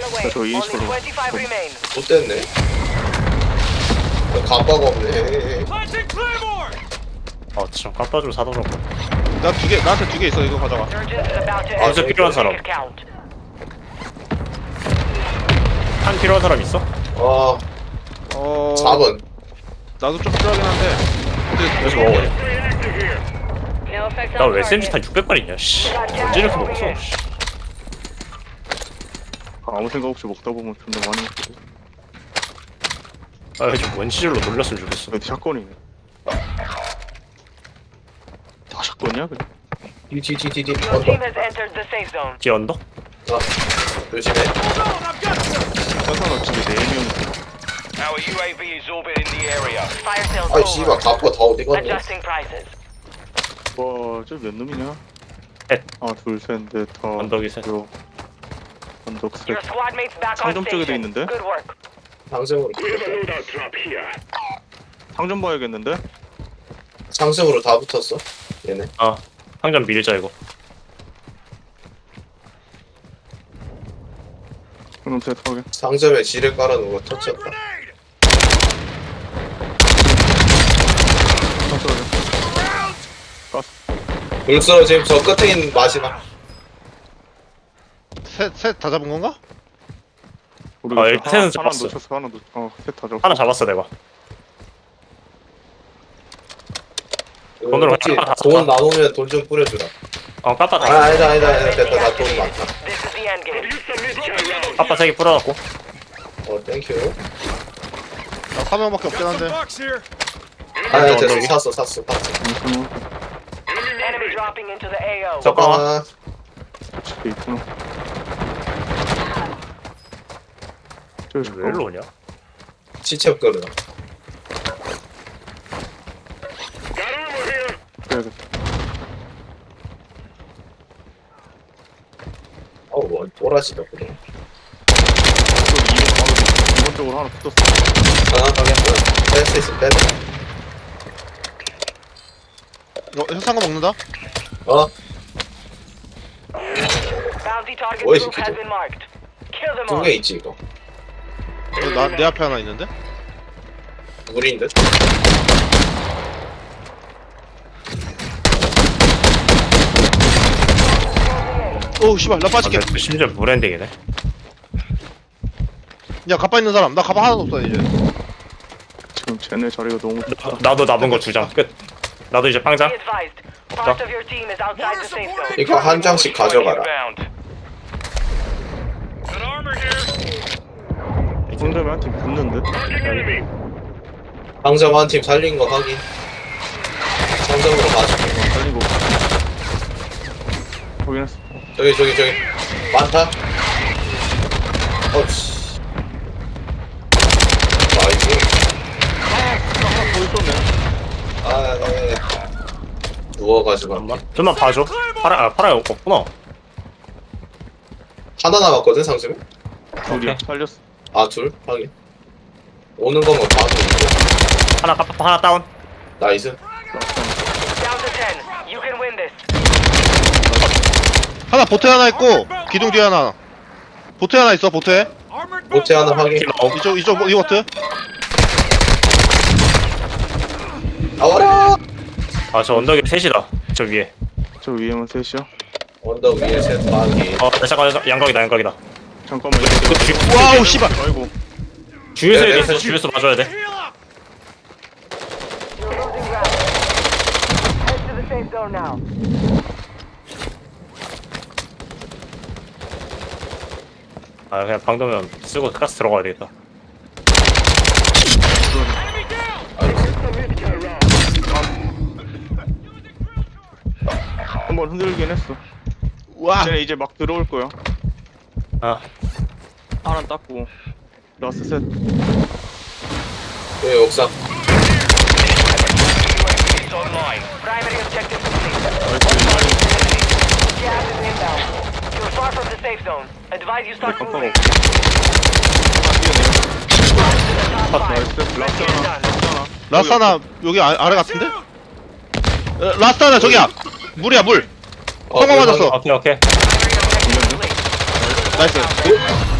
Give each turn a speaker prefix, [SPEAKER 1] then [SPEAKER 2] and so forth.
[SPEAKER 1] 저 20으로
[SPEAKER 2] 못됐네. 감바가 없네.
[SPEAKER 3] 참 깎아주고 사더라고.
[SPEAKER 1] 나 두 개, 나한테 두 개 있어. 이거 가져가.
[SPEAKER 3] 진짜 필요한 사람. 한 필요한 사람 있어?
[SPEAKER 2] 아, 4번.
[SPEAKER 1] 나도 좀 필요하긴 한데.
[SPEAKER 3] 그래서 먹어야 돼. 나왜 SMG 탄 600발 있냐, 씨. 언제 이렇게 먹었어, 씨.
[SPEAKER 1] 아무 생각 없이 먹다 보면 존나 많이 먹거든.
[SPEAKER 3] 좀 원시절로 놀렸으면 좋겠어.
[SPEAKER 1] 샷건이네. 다 샷건이야 그냥?
[SPEAKER 2] 뒤.
[SPEAKER 4] Your
[SPEAKER 2] 언더.
[SPEAKER 4] team has entered the safe zone.
[SPEAKER 3] 뒤에 언덕?
[SPEAKER 2] 아, 조심해.
[SPEAKER 1] 화산업 집에 4명.
[SPEAKER 5] Our UAV is orbiting the area.
[SPEAKER 4] Fire sales
[SPEAKER 2] 아이, 씨발,
[SPEAKER 4] over.
[SPEAKER 2] 갑바 다 어디 갔네.
[SPEAKER 4] Adjusting prices.
[SPEAKER 1] 와, 저 몇 놈이냐?
[SPEAKER 3] 셋.
[SPEAKER 1] 아, 둘, 셋, 넷, 다.
[SPEAKER 3] 언덕이 셋.
[SPEAKER 1] 요. 언덕 셋.
[SPEAKER 4] Your squad mates back on
[SPEAKER 1] 상점 쪽에도
[SPEAKER 4] station.
[SPEAKER 1] 있는데?
[SPEAKER 4] Good work.
[SPEAKER 2] 상승으로.
[SPEAKER 1] 상점 봐야겠는데?
[SPEAKER 2] 상승으로 다 붙었어. 얘네.
[SPEAKER 3] 상점 밀자, 이거.
[SPEAKER 1] 그럼 셋 하게.
[SPEAKER 2] 상점에 지를 깔아놓은 거 터치했다. 불 쓰러짐. 저 끝에 있는 마지막.
[SPEAKER 6] 셋 다 잡은 건가?
[SPEAKER 3] 일단 셋은
[SPEAKER 1] 하나
[SPEAKER 3] 잡았어.
[SPEAKER 1] 놓쳤어, 하나 셋 다 잡았어.
[SPEAKER 3] 하나 잡았어, 내가. 돈으로
[SPEAKER 2] 혹시
[SPEAKER 3] 다
[SPEAKER 2] 돈
[SPEAKER 3] 썼다.
[SPEAKER 2] 나누면 돈 좀 뿌려주라.
[SPEAKER 3] 까빠 다.
[SPEAKER 2] 아니다. 됐다. 나 돈 많다.
[SPEAKER 4] This is the end game.
[SPEAKER 3] 까빠 3개 뿌려놨고.
[SPEAKER 2] 땡큐.
[SPEAKER 6] 나 3명밖에 없긴 한데.
[SPEAKER 2] 됐어.
[SPEAKER 3] 언덕이?
[SPEAKER 2] 샀어.
[SPEAKER 4] Enemy dropping into the AO.
[SPEAKER 3] 잠깐만.
[SPEAKER 1] 집에 있구나. 저기
[SPEAKER 3] 왜 일로 오냐?
[SPEAKER 2] 시체 끌어.
[SPEAKER 1] 그래야겠다.
[SPEAKER 2] 뭐 또라지다 그래.
[SPEAKER 1] 이번 쪽으로 하나 붙었어.
[SPEAKER 2] 뺄수 있어. 빼.
[SPEAKER 6] 현상금 먹는다?
[SPEAKER 4] Bounty target
[SPEAKER 2] Oi,
[SPEAKER 4] group has
[SPEAKER 2] 시키죠.
[SPEAKER 4] been marked. Kill them
[SPEAKER 2] 2개
[SPEAKER 4] all.
[SPEAKER 2] 있지 이거.
[SPEAKER 6] 내 앞에 하나 있는데?
[SPEAKER 2] 우리인 듯.
[SPEAKER 6] 오우 씨발 나 빠질게.
[SPEAKER 3] 심지어 무랜딩이네.
[SPEAKER 6] 야 가빠 있는 사람. 나 가빠 하나도 없어 이제.
[SPEAKER 1] 지금 쟤네 자리가 너무 좋다.
[SPEAKER 3] 나도 남은 거 2장. 끝. 나도 이제
[SPEAKER 4] Be
[SPEAKER 3] 빵장.
[SPEAKER 4] advised. Part of your team is outside the safe zone.
[SPEAKER 2] 이거 한 장씩 가져가라.
[SPEAKER 5] Inbound. Got armor here.
[SPEAKER 1] 상점에 한 팀 붙는데?
[SPEAKER 2] 상점 한 팀 살린 거 확인. 상점으로 가자.
[SPEAKER 1] 살리고. 확인했어.
[SPEAKER 2] 저기. 많다. 씨. 나이스.
[SPEAKER 1] 하나 더 있었네.
[SPEAKER 2] 네. 누워가지고.
[SPEAKER 3] 잠깐만. 좀만 봐줘. 파라 없구나.
[SPEAKER 2] 하나 남았거든, 상점에?
[SPEAKER 1] 둘이야.
[SPEAKER 3] 오케이.
[SPEAKER 1] 살렸어.
[SPEAKER 2] 둘? 확인. 오는 것만 봐도 있고.
[SPEAKER 3] 하나 까빠 하나 다운.
[SPEAKER 2] 나이스.
[SPEAKER 4] Down to 10. You can win this.
[SPEAKER 6] 하나 보트 하나 있고 기둥 뒤에 하나. 보트 하나 있어 보트에.
[SPEAKER 2] 모태 하나 확인.
[SPEAKER 6] 이쪽 이 보트.
[SPEAKER 2] 나와라!
[SPEAKER 3] 저 언덕에 셋이다. 저 위에.
[SPEAKER 1] 저 위에만 셋이야.
[SPEAKER 2] 언덕 위에 셋 확인.
[SPEAKER 3] 잠깐 양각이다.
[SPEAKER 1] 잠깐만.
[SPEAKER 6] 와우 씨발.
[SPEAKER 1] 아이고.
[SPEAKER 3] 주유소에
[SPEAKER 2] 네,
[SPEAKER 3] 있어. 주유소 봐줘야 돼.
[SPEAKER 4] You're losing ground. Head to the safe zone now.
[SPEAKER 3] 그냥 방도면 쓰고 가스 들어가야 되겠다.
[SPEAKER 1] 한번 흔들긴 했어.
[SPEAKER 6] 와.
[SPEAKER 1] 쟤네 이제 막 들어올 거야. 하나 땄고. 라스 셋.
[SPEAKER 2] 여기 옥상.
[SPEAKER 5] UAV is online.
[SPEAKER 4] Primary objective complete. Gas is inbound. You're far from the safe zone. Advise you start
[SPEAKER 1] 깜빡
[SPEAKER 4] moving.
[SPEAKER 1] 없어.
[SPEAKER 4] Top 5.
[SPEAKER 1] 나이스. 라스
[SPEAKER 4] Get it
[SPEAKER 1] 하나.
[SPEAKER 4] done.
[SPEAKER 6] 라스 하나 여기 아래 같은데? 라스 하나 저기야. 물이야 물. 성공 맞았어.
[SPEAKER 3] 오케이.
[SPEAKER 4] Primary objective complete.
[SPEAKER 6] 나이스.